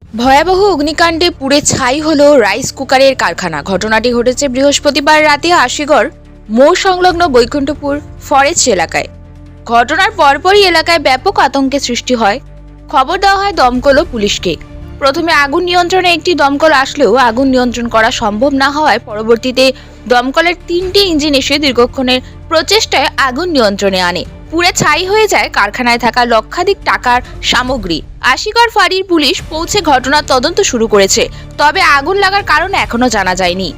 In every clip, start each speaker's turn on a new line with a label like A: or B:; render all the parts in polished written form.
A: ভয়াবহ অগ্নিকাণ্ডে পুড়ে ছাই হলো রাইস কুকারের কারখানা। ঘটনাটি ঘটেছে বৃহস্পতিবার রাতে আশিগড় মোড় সংলগ্ন বৈকুণ্ঠপুর ফরেস্ট এলাকায়। ঘটনার পরপরই এলাকায় ব্যাপক আতঙ্কের সৃষ্টি হয়। খবর দেওয়া হয় দমকল ও পুলিশকে। প্রথমে আগুন নিয়ন্ত্রণে একটি দমকল আসলেও আগুন নিয়ন্ত্রণ করা সম্ভব না হওয়ায় পরবর্তীতে দমকলের 3টি ইঞ্জিন এসে দীর্ঘক্ষণের প্রচেষ্টায় আগুন নিয়ন্ত্রণে আনে। পুড়ে ছাই হয়ে যায় কারখানায় থাকা লক্ষাধিক টাকার সামগ্রী। আশিগড় ফাঁড়ির পুলিশ পৌঁছে ঘটনার তদন্ত শুরু করেছে, তবে আগুন লাগার কারণ এখনো জানা যায়নি।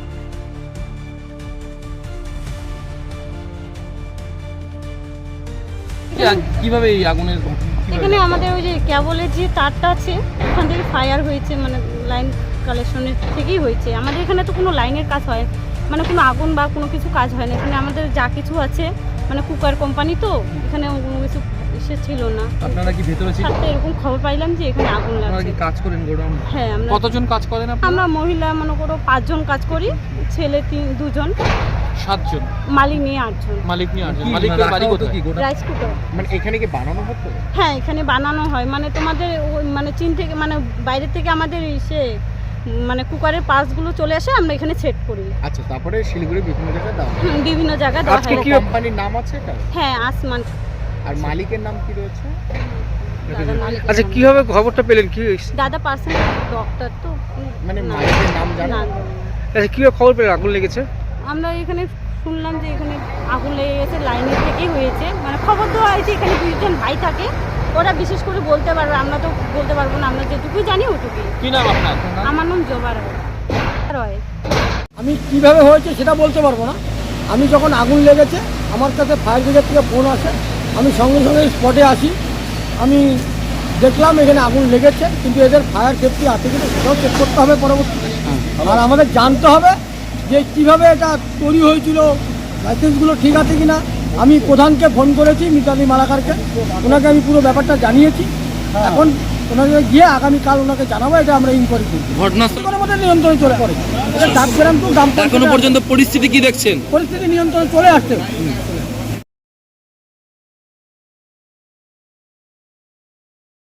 B: কিভাবে এই আগুনের
C: এখানে আমাদের ওই যে কেবলের যে তারটা আছে ওখান থেকে ফায়ার হয়েছে, মানে লাইন কালেকশনের থেকেই হয়েছে। আমাদের এখানে তো কোনো লাইনের কাজ হয়, মানে কোনো আগুন বা কোনো কিছু কাজ হয় না। এখানে আমাদের যা কিছু আছে, মানে কুকার কোম্পানি তো, এখানে কোনো কিছু এসে ছিল না।
B: আপনারা কি ভেতরে ছিলেন?
C: এরকম খবর পাইলাম যে এখানে আগুন
B: আপনারা
C: লাগছে।
B: কি কাজ করেন গোডাউন?
C: হ্যাঁ,
B: কতজন কাজ করেন আপনারা?
C: আমরা মহিলা মনে করো 5 জন কাজ করি, ছেলে 2 জন,
B: 7 জন,
C: মালিক নিয়ে 8 জন।
B: মালিক নিয়ে 8 জন। মালিকের বাড়ি কোথায়?
C: Rice cooker.
B: মানে এখানে কি বানানো হতো?
C: হ্যাঁ, এখানে বানানো হয়, মানে তোমাদের মানে চীন থেকে, মানে বাইরে থেকে আমাদের এসে মানে কুকারের পার্টসগুলো চলে আসে, আমরা এখানে সেট করি।
B: আচ্ছা, তারপরে শিলিগুড়ি বিভিন্ন জায়গায় দাও?
C: বিভিন্ন জায়গায় দেওয়া
B: আজকে
C: হয়।
B: কি কোম্পানির নাম আছে এটা?
C: হ্যাঁ, আসমান।
B: আর মালিকের নাম কি রয়েছে?
C: দাদা মালিকের
D: আচ্ছা,
C: নাম।
D: কিভাবে খবরটা পেলেন? কি
C: দাদা পার্সন ডক্টর তো,
B: মানে
C: না,
B: মালিকের নাম জানো?
C: না,
D: আচ্ছা, কিভাবে খবর পেলেন আগুন লেগেছে?
C: আমরা এখানে শুনলাম যে এখানে আগুন লেগে গেছে, লাইনের থেকেই হয়েছে। মানে খবর দেওয়া হয়েছে, এখানে 2 জন ভাই থাকে, ওরা বিশেষ করে বলতে পারবে, আমরা তো বলতে পারবো না। আমরা যেটুকুই জানি ওটুকুই।
B: কি নাম আপনার?
C: আমার নাম জবা রয়।
E: আমি কিভাবে হয়েছে সেটা বলতে পারবো না। আমি যখন আগুন লেগেছে আমার কাছে ফায়ার ব্রিগেড থেকে ফোন আসে, আমি সঙ্গে সঙ্গে স্পটে আসি। আমি দেখলাম এখানে আগুন লেগেছে, কিন্তু এদের ফায়ার সেফটি আছে কিনা সেটাও চেক করতে হবে পরবর্তীতে। আর আমাদের জানতে হবে যে কীভাবে এটা তৈরি হয়েছিল, লাইসেন্সগুলো ঠিক আছে কিনা। আমি প্রধানকে ফোন করেছি, মিতালি মালাকারকে, ওনাকে আমি পুরো ব্যাপারটা জানিয়েছি। এখন ওনাকে গিয়ে আগামীকাল ওনাকে জানাবো, এটা আমরা ইনকোয়ারি করছি।
D: ঘটনাস্থল
E: আমাদের নিয়ন্ত্রণে চলে পড়ে। এটা ডাকগ্রাম টু গ্রাম
D: এখনো পর্যন্ত পরিস্থিতি কি দেখছেন?
E: পরিস্থিতি নিয়ন্ত্রণে চলে আসছে।